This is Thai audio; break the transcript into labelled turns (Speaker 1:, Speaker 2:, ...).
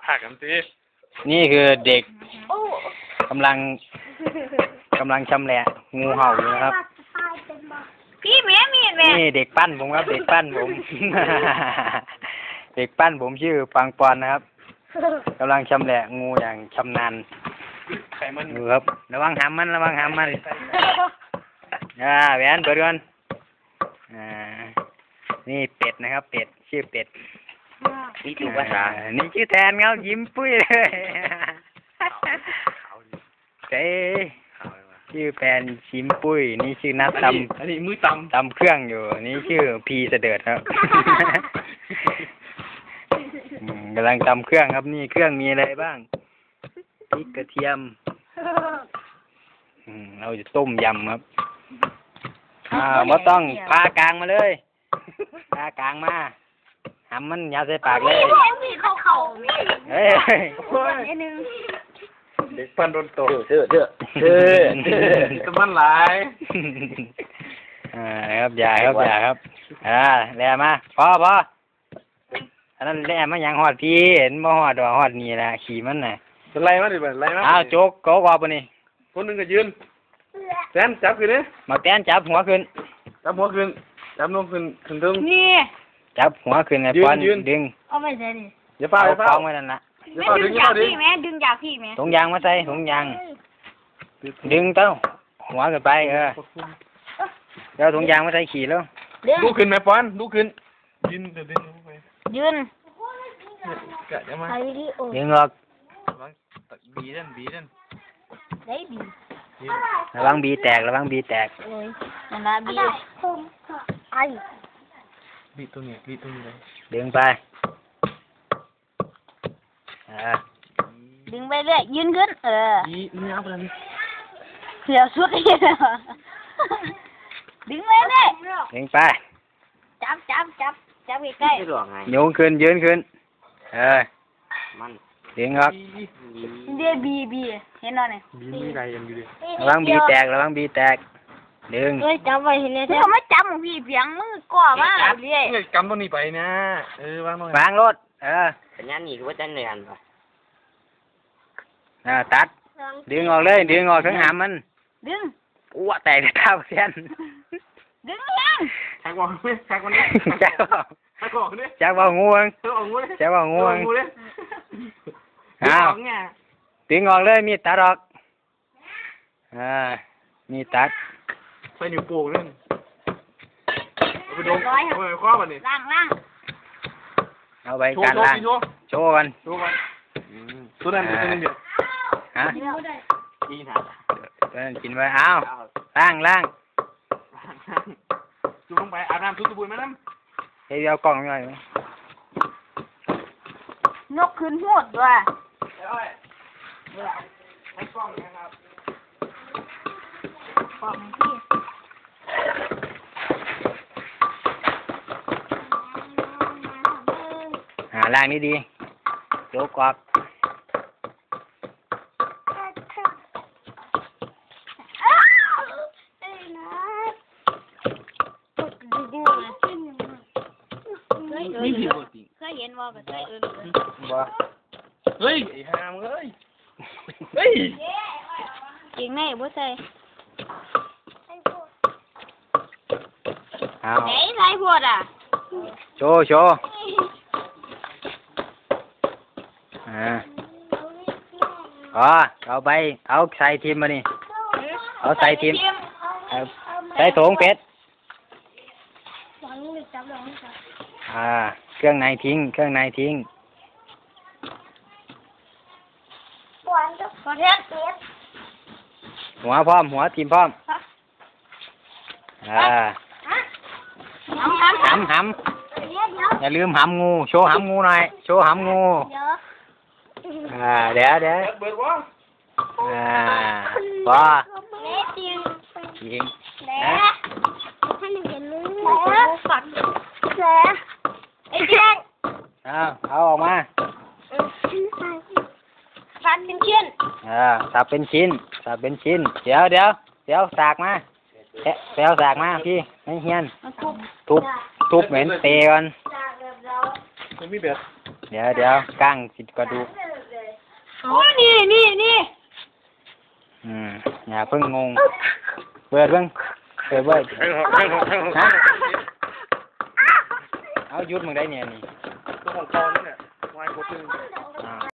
Speaker 1: ผักกันสิ
Speaker 2: นี่คือเด็กกำลังชำแหละงูเห่าอยู่นะครับ
Speaker 3: พี่แม่มีดแม่
Speaker 2: นี่เด็กปั้นผมครับเด็กปั้นผม เด็กปั้นผมชื่อปังปอนนะครับกำลังชำแหละงูอย่างชำนาญดูครับระวังหามมันแหวนเปิดก่อนนี่เป็ดนะครับเป็ดชื่อเป็ดนี่ถูกป่ะนี่ชื่อแทนครับยิ้มปุ้ยเลยเจ๊ชื่อแฟนชิมปุ้ยนี่ชื่อนัดตำ
Speaker 1: อันนี้มือต
Speaker 2: ำเครื่องอยู่นี่ชื่อพีเสด็จครับกำลังตำเครื่องครับนี่เครื่องมีอะไรบ้างพริกกระเทียมเราจะต้มยำครับไม่ต้องพากลางมาเลยพากลางมาหำมันยาใส่ปากเลยเฮ้ย
Speaker 1: เด็กปั้นโดนโต
Speaker 2: เชื่อ
Speaker 1: จะมันหลาย
Speaker 2: ครับอย่าครับแล่มาพออันนั้นแล่มาอย่างหอดพี่เห็นบ่หอดหอดนี่แหละขี่มันน่ะ
Speaker 1: เป็นไรมาดิเป็นไรมา
Speaker 2: โจ๊กก็ว่าปะนี่
Speaker 1: คนหนึ่งก็ยืนแตนจับขึ้นนี่
Speaker 2: มาแตนจับหัวขึ้น
Speaker 1: จับหัวขึ้นจับลงขึ้นตึง
Speaker 3: นี่
Speaker 2: จับหัวขึ้นไงป้อนดึง
Speaker 3: เอาไปใส่ดิ
Speaker 1: อย่าเฝ้า
Speaker 2: คล้องไว้นั่นละ
Speaker 3: ดึงจากพี่แม่ดึงจากพี่แม่
Speaker 2: ถุงยางมาใส่ถุงยางดึงเต้าหัวขึ้นไปแล้วถุงยางมาใส่ขี่แล้ว
Speaker 1: ดูขึ้นไหมป้อนดูขึ้นยืนดึงไป
Speaker 3: ยืน
Speaker 1: กะจะมา
Speaker 2: ดึงออก
Speaker 1: บีนั่น
Speaker 3: ได้บี
Speaker 2: ระวังบีแตกนั่น
Speaker 3: นะบีไอ
Speaker 1: บีตรงนี้เลย
Speaker 2: ดึงไป
Speaker 3: ดึงไปเรื่อยยืนขึ้น
Speaker 1: นี่เอาไปเลย
Speaker 3: เสียสุดเลยดึงไปเรื่อย
Speaker 2: ดึงไป
Speaker 3: จับใกล้
Speaker 2: โยงขึ้นยืนขึ้นมันดึงครับ
Speaker 3: เดี๋ยวบีเห็นหน่อย
Speaker 1: บีอะไรกันอยู่ดิ
Speaker 2: ระวังบีแตกดึง
Speaker 3: จับไว้เห็นเลยเขาไม่จับพี่เพียงมือก่อมาเรื่อย
Speaker 1: กำตัวนี้ไปนะวางหน่อยว
Speaker 2: างรถ
Speaker 4: สัญญาณนี่คือว่าจะเหนื่อยป่
Speaker 2: ะตัดดึงออกเลยดึงออกทั้งหามมัน
Speaker 3: ดึง
Speaker 2: อ้วแตกเท้าเส้น
Speaker 3: ดึงยัง
Speaker 1: แทกบอกนี่แทกบอกนี่
Speaker 2: แจ็คบอกงูงดึงออกเลยมีตัดออกมีตัด
Speaker 1: ใส่นิ้วโป้งนั่นเอาไปดมเอาไปคว้ามันนี่
Speaker 3: ล่าง
Speaker 2: เอาไปการล่างโชว์กัน
Speaker 1: ตัวนั้นตัวนึงเดียว
Speaker 2: ตัวนั้นกินไว้เอาล่าง
Speaker 1: จุ่มลงไปอาบน้ำทุบตะบุยไหมน้ำ
Speaker 2: เฮ้ยเอากล่องหน่อยไหม
Speaker 3: นกขึ้นหัวด้วย
Speaker 1: ให้กล้องนะครับ
Speaker 3: กล่องพี่
Speaker 2: ล่างนี้ดีโยกกรอบ
Speaker 1: นี่ผิดปกติ
Speaker 3: เคยเห็นว่าแบบเคย
Speaker 2: บ่
Speaker 1: เฮ้ยไอ้หามเฮ้ย
Speaker 3: จริงไหมบ่ใส่ไหนใส่พวด
Speaker 2: โชว์เอาไปเอาใส่ทีมมานี่เอาใส่ทีมใส่ถุงเป็ดเครื่องในทิ้งหัวพร้อมหัวทีมพร้อมหำอย่าลืมหำงูโชว์หำงูหน่อยเดี๋ยวพอยิง
Speaker 3: ไอ้เจ้ง
Speaker 2: เอาออกมา
Speaker 3: สับเป็นชิ้น
Speaker 2: สับเป็นชิ้นเดี๋ยวสากมาสากมาพี่ให้เฮียนทุบเหม็นเตะก่อน
Speaker 1: ไม่มีเบ็ด
Speaker 2: เดี๋ยวก้างสิกระดูก
Speaker 3: โอ้นี่
Speaker 2: อย่าเพิ่งงงเปิดเบิ่งฮะเอาหยุดมึงได้เนี่ยนี่
Speaker 1: ตัวของตอนนี่แหละวายโคตรนึง